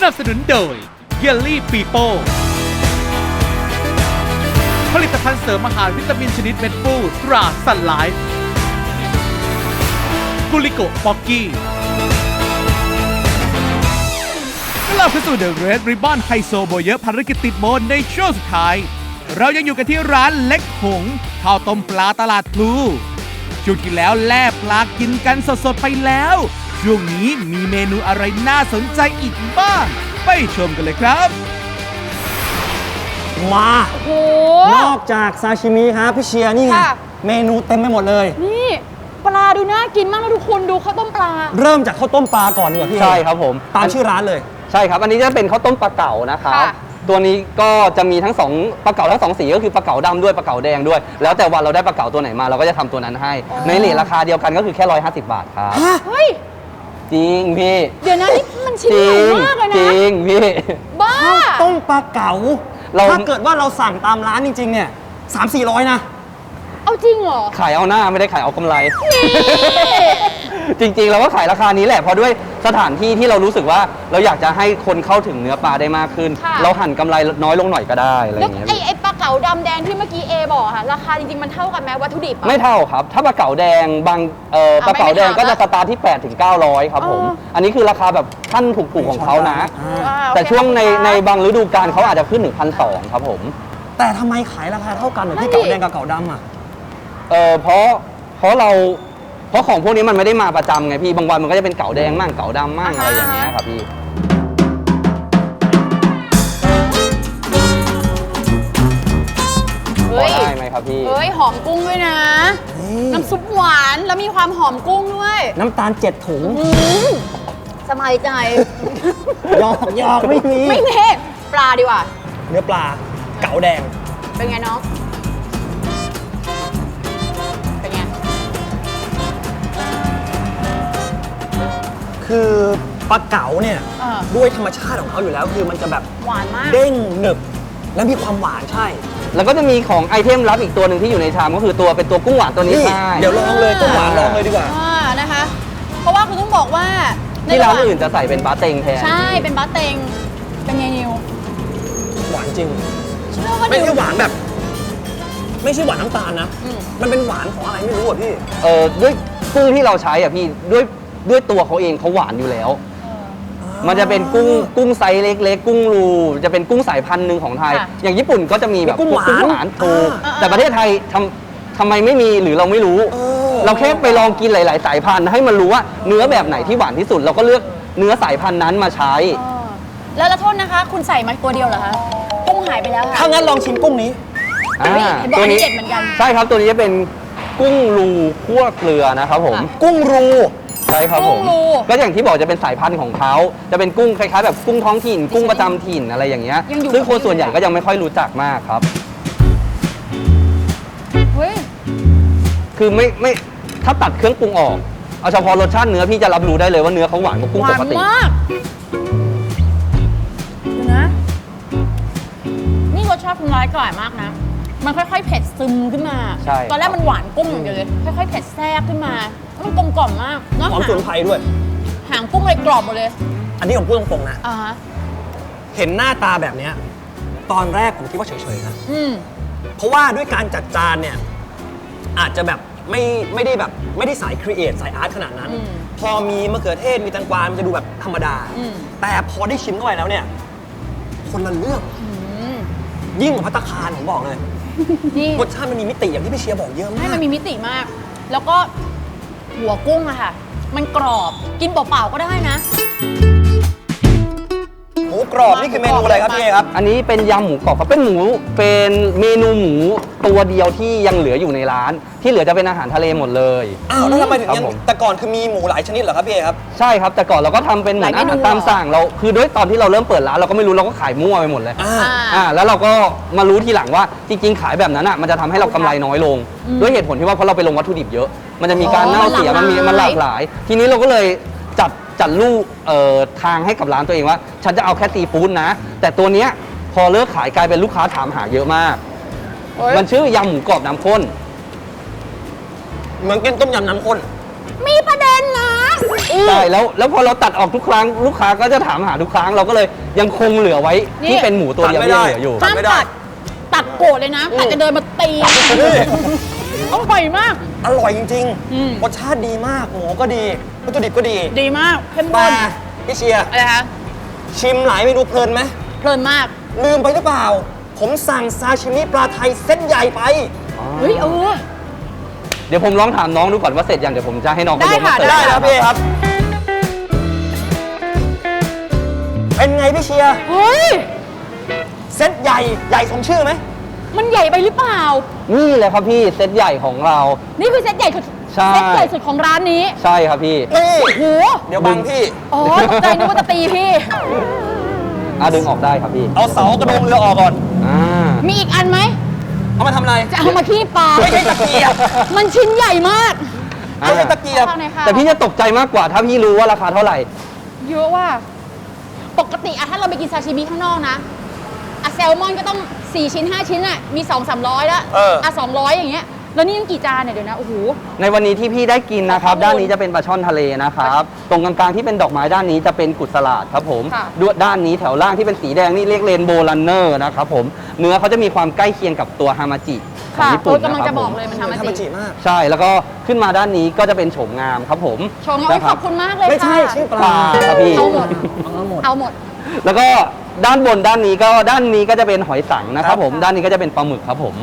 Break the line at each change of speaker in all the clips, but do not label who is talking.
นับสนุนโดยเยลลี่ปีโป้ผลิตภัณฑ์เสริมอาหารวิตามินชนิดเม็ดฟูตราซันไลฟ์กุลิโกป๊อกกี้เราเข้าสู่ The Red Ribbon ไฮโซโบเยอะภารกิจติดโบนในช่วงสุดท้ายเรายังอยู่กันที่ร้านเล็กหงข้าวต้มปลาตลาดพลูช่วงที่แล้วแล่ปลากินกันสดๆไปแล้วช่วงนี้มีเมนูอะไรน่าสนใจอีกบ้างไปชมกันเลยครับ
มาโอ้โหนอกจากซาชิมิครับพี่เชียร์นี่ไงเมนูเต็มไปหมดเลย
นี่ปลาดูน่ากินมากนะทุกคนดูข้าวต้มปลา
เริ่มจากข้าวต้มปลาก่อนดีกว่าพี่
ใช่ครับผม
ตามชื่อร้านเลย
ใช่ครับอันนี้จะเป็นข้าวต้มปลาเก๋านะครับตัวนี้ก็จะมีทั้ง2ปลาเก๋าทั้ง2สีก็คือปลาเก๋าดำด้วยปลาเก๋าแดงด้วยแล้วแต่วันเราได้ปลาเก๋าตัวไหนมาเราก็จะทำตัวนั้นให้ในเรทราคาเดียวกันก็คือแค่150 บาทครับ
เฮ้ย
จริงพี่
เดี๋ยวนะนี่มันชิ้นใหญ่มากเลยนะ
จริงพี่
บ้า
ข้าวต้มปลาเก๋าถ้าเกิดว่าเราสั่งตามร้านจริงๆเนี่ย300-400นะ
เอาจริงเหรอ
ขายเอาหน้าไม่ได้ขายเอากำไรจริงๆเราก็ขายราคานี้แหละเพราะด้วยสถานที่ที่เรารู้สึกว่าเราอยากจะให้คนเข้าถึงเนื้อปลาได้มากขึ้นเราหั่นกำไรน้อยลงหน่อยก็ได้อะไรอย่างเงี้ย
ไอ้ปลาเก๋าดำแดงที่เมื่อกี้เอบอกค่ะราคาจริงๆมันเท่ากันไหมวัตถุดิบ
ไม่เท่าครับถ้าปลาเก๋าแดงบางปลาเก๋าแดงก็จะสตาร์ทที่800-900ครับผมอันนี้คือราคาแบบขั้นถูกๆของเขานะแต่ช่วงในบางฤดูกาลเขาอาจจะขึ้นถึง1,200ครับผม
แต่ทำไมขายราคาเท่ากันเหมือนที่เก๋าแดงกับเก๋าดำอ่ะ
เพราะของพวกนี้มันไม่ได้มาประจำไงพี่บางวันมันก็จะเป็นเก๋าแดงมั่งเก๋าดำมั่งอะไรอย่างเงี้ยครับพี่ได้ไหมครับพี่
เฮ้ยหอมกุ้งด้วยนะน้ำซุปหวานแล้วมีความหอมกุ้งด้วย
น้ำตาล7 ถุง
สบายใจ
หยอกไม่
เน่ปลาดีกว่า
เนื้อปลาเก๋าแดง
เป็นไงน้อง
คือปลาเก๋าเนี่ยด้วยธรรมชาติของเขาอยู่แล้วคือมันจะแบบ
หวานมาก
เด้งหนึบและมีความหวานใช่
แล้วก็จะมีของไอเทมลับอีกตัวหนึ่งที่อยู่ในชามก็คือเป็นตัวกุ้งหวานตัวนี้ใช่
เดี๋ยวลองเลยกุ้งหวานลองเลยดีกว่า
นะคะเพราะว่าคุณต้องบอกว่า
ที่ร้านอื่นจะใส่เป็นบะเต็งแทน
ใช่เป็นบะเต็งเป็นไงนิว
หวานจริงไม่ใช่หวานแบบไม่ใช่หวานน้ำตาลนะมันเป็นหวานของอะไรไม่รู้อ่ะพี่
ด้วยกุ้งที่เราใช้อ่ะพี่ด้วยตัวเขาเองเขาหวานอยู่แล้วมันจะเป็นกุ้งไซส์เล็กๆกุ้งรูจะเป็นกุ้งสายพันธุ์หนึ่งของไทยอย่างญี่ปุ่นก็จะมีแบบ
กุ้งหวาน
ถูกแต่ประเทศไทยทำไมไม่มีหรือเราไม่รู้เราแค่ไปลองกินหลายๆสายพันธุ์ให้มันรู้ว่าเนื้อแบบไหนที่หวานที่สุดเราก็เลือกเนื้อสายพันธุ์นั้นมาใช้
แล้วโทษนะคะคุณใส่มาตัวเดียวเหรอคะกุ้งหายไปแล้วค่ะ
ถ้างั้นลองชิมกุ้งนี้
ตัวนี้เด็ดเหมือนกัน
ใช่ครับตัวนี้จะเป็นกุ้งรูคั่วเกลือนะครับผม
กุ้งรู
ใช่ครับผมก็อย่างที่บอกจะเป็นสายพันธุ์ของเขาจะเป็นกุ้งคล้ายๆแบบกุ้งท้องถิ่นกุ้งประจำถิ่นอะไรอย่างเงี้ยซึ่งคนส่วนใหญ่ก็ยังไม่ค่อยรู้จักมากครับคือไม่ถ้าตัดเครื่องปรุงออกเอาเฉพาะรสชาติเนื้อพี่จะรับรู้ได้เลยว่าเนื้อเขาหวานกว่ากุ้งปกติ
หวานมากดูนะนี่รสชาติคุณร้ายก่อยมากนะมันค่อยๆเผ็ดซึมขึ้นมาตอนแรกมันหวานกุ้งอย่างเดียวเลยค่อยๆเผ็ดแทรกขึ้นมามันกลมกล่อมมากเนาะ
หอมสมุนไพรด้วย
หางกุ้งเลยกรอบหมดเลย
อันนี้ผมพูดตรงๆนะเห็นหน้าตาแบบนี้ตอนแรกผมคิดว่าเฉยๆนะเพราะว่าด้วยการจัดจานเนี่ยอาจจะแบบไม่ได้สายครีเอทสายอาร์ตขนาดนั้นพอมีมะเขือเทศมีแตงกวามันจะดูแบบธรรมดาแต่พอได้ชิมเข้าไปแล้วเนี่ยคนละเรื่องยิ่งกว่าภัตตาคารผมบอกเลยรสชาติมันมีมิติอย่างที่พี่เชียร์บอกเยอะมาก
ให้มันมีมิติมากแล้วก็หัวกุ้งอะค่ะมันกรอบกินเปล่าๆก็ได้นะ
หมูกรอบนี่คือเมนูอะไรครับพี่ครับ
อันนี้เป็นยำหมูกรอบครับเป็นเมนูหมูตัวเดียวที่ยังเหลืออยู่ในร้านที่เหลือจะเป็นอาหารทะเลหมดเลย
อ้าวแล้วทำไมถึงยังแต่ก่อนคือมีหมูหลายชนิดเหรอครับพี่ครับ
ใช่ครับแต่ก่อนเราก็ทำเป็นเหมือนอาหารตามสั่งเราคือด้วยตอนที่เราเริ่มเปิดร้านเราก็ไม่รู้เราก็ขายมั่วไปหมดเลยแล้วเราก็มารู้ทีหลังว่าจริงๆขายแบบนั้นอ่ะมันจะทำให้เรากำไรน้อยลงด้วยเหตุผลที่ว่าเพราะเราไปลงวัตถุดิบเยอะมันจะมีการเน่าเสียมันหลากหลายทีนี้เราก็เลยจัดรูปทางให้กับร้านตัวเองว่าฉันจะเอาแค่ซีฟู้ดนะแต่ตัวเนี้ยพอเลิกขายกลายเป็นลูกค้าถามหาเยอะมากมันชื่อยำหมูกรอบน้ำข้น
เหมือนกินต้มยำน้ำข้น
มีประเด็นนะ
ใช่แล้วพอเราตัดออกทุกครั้งลูกค้าก็จะถามหาทุกครั้งเราก็เลยยังคงเหลือไว้
นี่
ที่เป็นหมูตัวเดียวที่ยังเหลืออยู่
ห้ามตัดโกรธเลยนะตัดจะเดินมาตีอร่อยมาก
อร่อยจริง
อืม
รสชาติดีมากหมูก็ดีวัตถุดิบก็ดี
ดีมากเข้ม
แต่
ข้น
พี่เชียร์
อะไรคะ
ชิมหลายเมนูเพลินไหม
เพลินมาก
ลืมไปหรือเปล่า ผมสั่งซาชิมิปลาไทยเส้นใหญ่ไป
เฮ้ย
เดี๋ยวผมลองถามน้องดูก่อนว่าเสร็จยังเดี๋ยวผมจะให้น้องเขายกมาเสิร์ฟ
ได้
ได้ครับพี่ครับ เป็นไงพี่เชียร์
เฮ้ย
เซตใหญ่สมชื่อไหม
มันใหญ่ไปหรือเปล่า
นี่เลยครับพี่เซตใหญ่ของเรา
นี่คือเซตใหญ่สุด
ใช่
เซตใหญ่สุดของร้านนี้
ใช่ครับพี่
นี่
โห
เดี๋ยวบังพี่
อ๋อตกใจนึกว่าจะตีพี่
ดึงออกได้ครับพี่
เอาเสากระดงเรือออกก่อน
มีอีกอันไหม
เอามาทำอะไร
จะเอามาขี้ปลา
ไม่ใช่ตะเกียบ
มันชิ้นใหญ่มาก
ไม่ใช่ตะเกียบ
ข้างในค่ะ
แต่พี่จะตกใจมากกว่าถ้าพี่รู้ว่าราคาเท่าไหร่
เยอะว่า ปกติอะถ้าเราไปกินซาชิมิข้างนอกนะอะแซลมอนก็ต้อง 4 ชิ้น 5 ชิ้นอะมี 200-300 แล้ว 200 อย่างเงี้ย แล้วนี่ยังกี่จานเนี่ยเดี๋ยวนะ โอ้โห
ในวันนี้ที่พี่ได้กินนะครับ ด้านนี้จะเป็นปลาช่อนทะเลนะครับ ตรงกลางๆที่เป็นดอกไม้ด้านนี้จะเป็นกุศลาดครับผม
ค่ะ
ด้วยด้านนี้แถวล่างที่เป็นสีแดงนี่เรียกเรนโบว์รันเนอร์นะครับผมเนื้อเขาจะมีความใกล้เคียงกับตัวฮามาจิของ
ค่ะ
ญี่
โอ้
ปุ่
ย
น
กำลัง
นะค
จะ
รับ
บ
ผ
อก
ม
เลยมัน
ทำ
ทำมา
มา
จริ
จิ
ง
มาก
ใช่แล้วก็ขึ้นมาด้านนี้ก็จะเป็นโฉมงามครับผม
ชมเอาไว้
นะค
ข
รั
อบคุณมากเลย
ไม่ใช่
ค่ะ
ชื่อป
ป
ลา
ลาครับพี่
เอาหมด เอาหมด
แล้วก็ด้านบนด้านนี้ก็จะเป็นหอยสังนะครับผมด้านนี้ก็จะเป็นปลาหมึกครับผม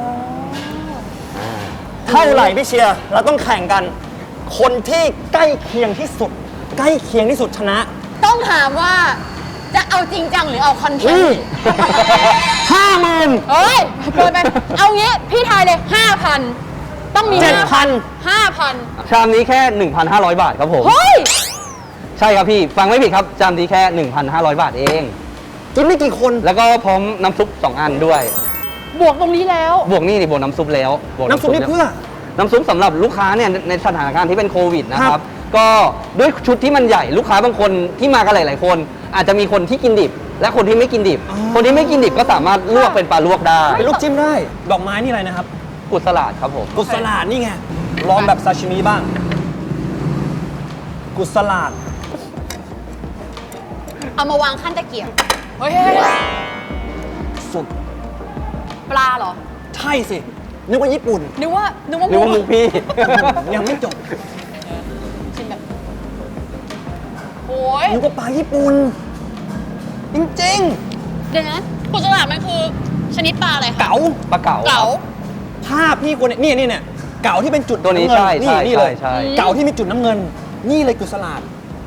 เท่าไหร่พี่เชียร์เราต้องแข่งกัน คนที่ใกล้เคียงที่สุด ใกล้เคียงที่สุดชนะ
ต้องถามว่าจะเอาจริงจังหรือเอาคอนเทนต์
50,000
เฮ้ยเกินไป เอางี้ พี่ทายเลย 5,000 ต้องมี
7,000
5,000
ชามนี้แค่ 1,500 บาทครับผม
เฮ้ย
ใช่ครับพี่ฟังไม่ผิดครับชามนี้แค่ 1,500 บาทเอง
กินได้กี่คน
แล้วก็พร้อมน้ำซุป2อันด้วย
บวกตรงนี้แล้ว
บวกนี่บวกน้ำซุปแล้วบวก
น้ำซุปนี่เพื่อ
น้ำซุปสำหรับลูกค้าเนี่ยในสถานการณ์ที่เป็นโควิดนะครับ ก็ด้วยชุดที่มันใหญ่ลูกค้าบางคนที่มากันหลาย ๆ คน อาจจะมีคนที่กินดิบ และคนที่ไม่กินดิบ คนที่ไม่กินดิบก็สามารถลวกเป็นปลาลวกได้
เป็นลูกจิ้มได้ ดอกไม้นี่อะไรนะครับ
กุศลาดครับผม
กุศลาดนี่ไง ลองแบบซาชิมิบ้าง กุศลาด
เอามาวางขั้นตะเกียบ เฮ้ย
สุด
ปลาเหรอ
ใช่สิ นึกว่าญี่ปุ่น
นึกว่า
นึกว่ามุกพี่
ยังไม่จบ
ชิมแบบโอ้ย
นึกว่าปลาญี่ปุ่น จริง
เดี๋ยวนะกุศลาดมันคือชนิดปลาอะไร
ๆ
คะ
เก๋า
ปลาเก๋า
เก๋า
ภาพพี่คนเนี่ยนี่เนี่ยเก๋าที่เป็นจุด
ตัวนี้
ำเงิ
ใช่
นี่
ใช่
นี่เลย
ใช่
เก๋าที่มีจุดน้ำเงิน นี่เลยกุศลาด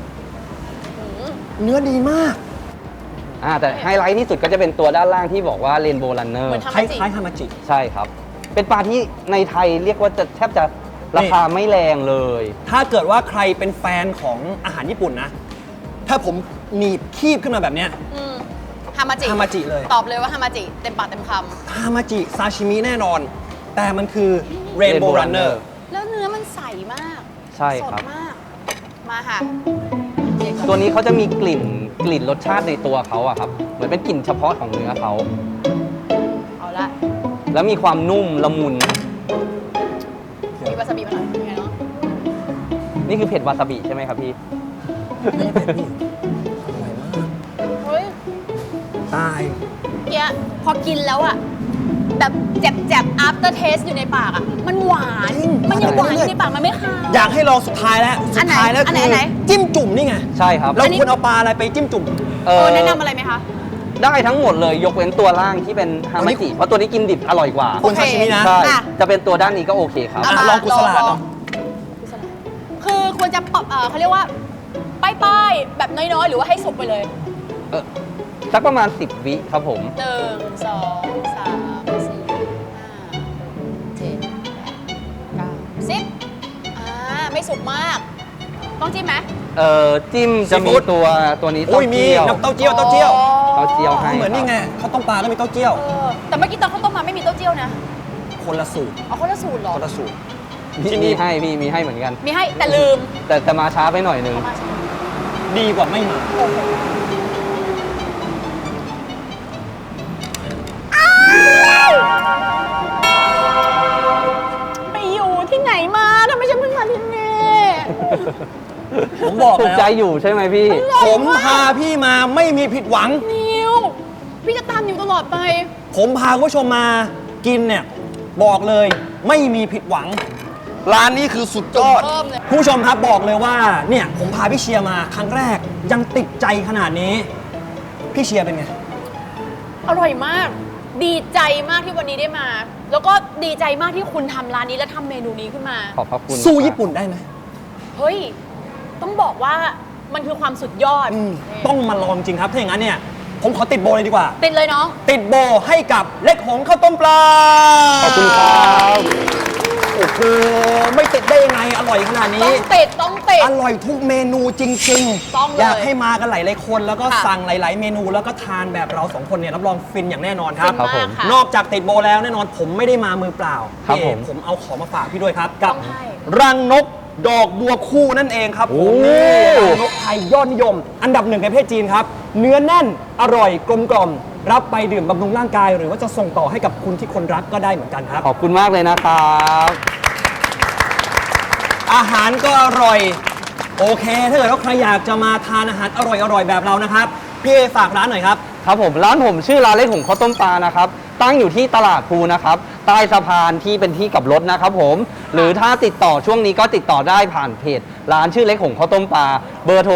เนื้อดีมาก
แต่ไฮไลท์ที่สุดก็จะเป็นตัวด้านล่างที่บอกว่าเรนโบว์รันเนอ
เห
ร์
มือน
คล้ายๆฮามาจิ
ใช่ครับ เป็นปลาที่ในไทยเรียกว่าจะแทบจะราคาไม่แรงเลย
ถ้าเกิดว่าใครเป็นแฟนของอาหารญี่ปุ่นนะ ถ้าผมหนีบคีบขึ้นมาแบบเนี้ย
ฮามาจิ
ฮามาจิเลย
ตอบเลยว่าฮามาจิ เต็มปากเต็มค
ฮามาจิซาชิมิแน่นอน แต่มันคือเรนโบว์รันเนอร์
ำแล้วเนื้อมันใสมาก
ใช่ครับ
สดมาก มาค่ะ
ตัวนี้เขาจะมีกลิ่นรสชาติในตัวเขาอะครับ เหมือนเป็นกลิ่นเฉพาะของเนื้อเขา
เอาละ
แล้วมีความนุ่มละมุน
มีวาซาบิมาหน่อยเป็นไงเนาะ
นี่คือเผ็ดวาซาบิใช่ไหมครับพี่
เฮ้ย
ตาย
เกี้ยพอกินแล้วอะแบบแจบๆ after taste อยู่ในปากอะมันหวาน
จริง
มันยังหวานอยู่ในปากมันไม่คาว
อยากให้ลองสุดท้ายแล้ว สุดท้ายแล้ว
อันไหน
คื
อันไหน
จิ้มจุ่มนี่ไง
ใช่ครับ
เราควรเอาปลาอะไรไปจิ้มจุ่ม
แนะนำอะไรไหมคะ
ได้ทั้งหมดเลยยกเว้นตัวล่างที่เป็นฮามาจิ เพราะตัวนี้กินดิบอร่อยกว่า
ควรซาชิมินะ
ใช่
อ่ะ
จะเป็นตัวด้านนี้ก็โอเคครับ
เอามา
ลองกุศลาดเนอะ
กุศลาดคือควรจะปรับเขาเรียกว่า ป้ายๆ แบบน้อยๆ หรือว่าให้สุกไปเลย
สักประมาณ 10 วิครับผม
1 2 3 4 5 7 8 9 10ไม่สุกมาก ต้องจิ้มไหม
จิ้มจะมีตัวนี้
โอ้
เต้าย
มี
เจี้ยว
น้ำเต้าเจี้ยวเต้าเจี้ยว
เต้าเจี้ยวให้
เหมือนนี่ไงข้าวต้มปลาก็มีเต้าเจี้ยว
แต่เมื่อกี้ตอนข้าวต้มมาไม่มีเต้าเจี้ยวนะ
คนละสูตร
เอาคนละสูตรเหรอ
คนละสูตร
มีให้พี่มีให้เหมือนกัน
มีให้แต่ลืม
แต่มาช้าไปหน่อยนึง
เอามาใช่ไหม
ดีกว่าไม่มา
โอเคไปอยู่ที่ไหนมาทำไมฉันเพิ่งมาที่นี่
ผมบอก
ถูก
แล้ว
ใจอยู่ใช่ไหมพี่
ผมพาพี่มาไม่มีผิดหวัง
นิวพี่จะตามนิวตลอดไป
ผมพาคุณผู้ชมมากินเนี่ยบอกเลยไม่มีผิดหวัง ร้านนี้คือสุดยอด
เพิ่มเลย
คุณผู้ชมครับบอกเลยว่าเนี่ยผมพาพี่เชียร์มาครั้งแรกยังติดใจขนาดนี้ พี่เชียร์เป็นไง
อร่อยมาก ดีใจมากที่วันนี้ได้มา แล้วก็ดีใจมากที่คุณทำร้านนี้และทำเมนูนี้ขึ้นมา
ขอบพระคุณ
สู้ญี่ปุ่นได้ไหม
เฮ้ย ต้องบอกว่ามันคือความสุดยอด
ต้องมาลองจริงครับถ้าอย่างนั้นเนี่ยผมขอติดโบเลยดีกว่า
ติดเลยน้อง
ติดโบให้กับเล็กหงข้าวต้มปลา
ขอบคุณครับ
โอ้โหไม่ติดได้ยังไงอร่อยขนาด
ต้
นี้
องติดต้องติด
อร่อยทุกเมนูจริง
ต้องเลย
อยากให้มากันหลายๆคนแล้วก็
ค่ะ
สั่งหลาย ๆ เมนูแล้วก็ทานแบบเราสองคนเนี่ยรับรองฟินอย่างแน่นอนครับ
ฟินมากค่ะ
นอกจากติดโบแล้วแน่นอนผมไม่ได้มามือเปล่า
ครับ
พี่เอก
ผม
ผมเอาของมาฝากพี่ด้วยครับ กับ
ต้องให้
รังนกดอกบัวคู่นั่นเองครับผม
โอ้
นี่รังนกไทยยอดนิยม อันดับหนึ่งในประเทศจีนครับ เนื้อแน่นอร่อยกลมกล่อมรับไปดื่มบำรุงร่างกาย หรือว่าจะส่งต่อให้กับคุณที่คนรักก็ได้เหมือนกันครับ
ขอบคุณมากเลยนะครับ
อาหารก็อร่อย โอเค ถ้าเกิดว่าใครอยากจะมาทานอาหารอร่อยๆแบบเรานะครับพี่เอฝากร้านหน่อยครับ
ครับผมร้านผมชื่อร้านเล็กหงข้าวต้มปลานะครับตั้งอยู่ที่ตลาดพลูนะครับใต้สะพานที่เป็นที่กลับรถนะครับผมหรือถ้าติดต่อช่วงนี้ก็ติดต่อได้ผ่านเพจร้านชื่อเล็กหงข้าวต้มปลาเบอร์โทร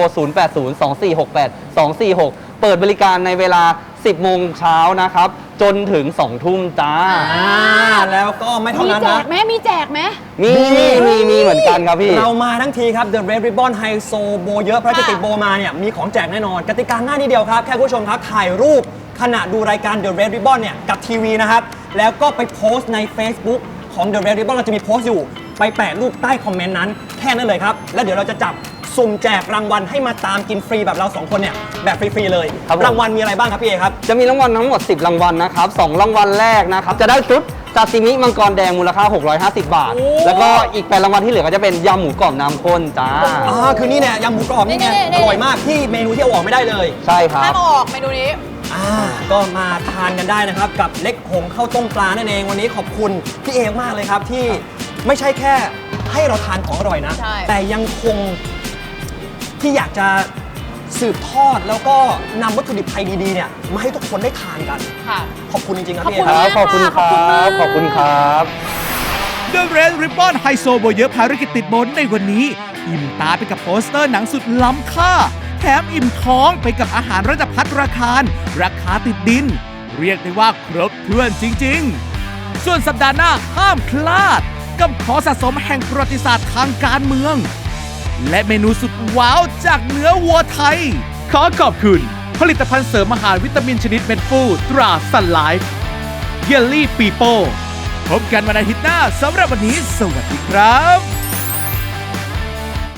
0802468246 เปิดบริการในเวลา 10 โมงเช้านะครับจนถึง 2 ทุ่มจ้า
แล้วก็ไม่เท่า
มี
นั้น
แจ
นะ
กไหมมีแจกไหม
มีเหมือนกันครับพี่
เรามาทั้งทีครับ The Red Ribbon ไฮโซโบเยอะเพราะจะติดโบมาเนี่ยมีของแจกแน่นอน กติกาง่ายนิดเดียวครับ แค่คุณผู้ชมครับ ถ่ายรูปขณะดูรายการ The Red Ribbon เนี่ยกับทีวีนะครับ แล้วก็ไปโพสต์ใน Facebook ของ The Red Ribbon เราจะมีโพสต์อยู่ ไปแปะรูปใต้คอมเมนต์นั้น แค่นั้นเลยครับ แล้วเดี๋ยวเราจะจับสุ่มแจกรางวัลให้มาตามกินฟรีแบบเราสองคนเนี่ยแบบฟรีๆเลย
ครับผม
รางวัลมีอะไรบ้างครับพี่เอครับ
จะมีรางวัลทั้งหมด 10 รางวัลนะครับ 2 รางวัลแรกนะครับ จะได้ชุดซาซิมิมังกรแดงมูลค่า 650 บาท
โอ้
แล้วก็อีก 8 รางวัลที่เหลือก็จะเป็นยำหมูกรอบน้ำข้นจ้า
คือนี่เนี่ยยำหมูกรอบนี่ไง
นี่
อร่อยมากที่เมนูที่เอาออกไม่ได้เลย
ใช่ครั
ห้า
บ
มออกเมนูนี้
ก็มาทานกันได้นะครับ กับเล็กหงข้าวต้มปลานั่นเองวันนี้ขอบคุณพี่เอกมากเลยครับที่ไม่ใช่แค่ให้เราทานของอร่อยนะ
ใช่
แต่ยังคงที่อยากจะสืบทอดแล้วก็นำวัตถุดิบไทยดีๆเนี่ยมาให้ทุกคนได้ทานกัน
ค่ะ
ขอบคุณจริงๆครับ
ขอบ
พี่เอ
คุณ
ครับ
ขอบคุณค
ขอบ
รั
คุณมาก
บ ขอบคุณครับ
The Red Ribbon ไฮโซโบเยอะภารกิจติดบนในวันนี้ อิ่มตาไปกับโปสเตอร์หนังสุดล้ำค่า แถมอิ่มท้องไปกับอาหารระดับภัตตราคาร ราคาติดดิน เรียกได้ว่าครบถ้วนจริง ๆ ส่วนสัปดาห์หน้าห้ามพลาด กับของสะสมแห่งประวัติศาสตร์ทางการเมือง และเมนูสุดว้าวจากเนื้อวัวไทย ขอขอบคุณ ผลิตภัณฑ์เสริมอาหารวิตามินชนิดเม็ดฟูตราซันไลฟ์เยลลี่ปีโป้พบกันวันอาทิตย์หน้าสำหรับวันนี้ สวัสดีครับ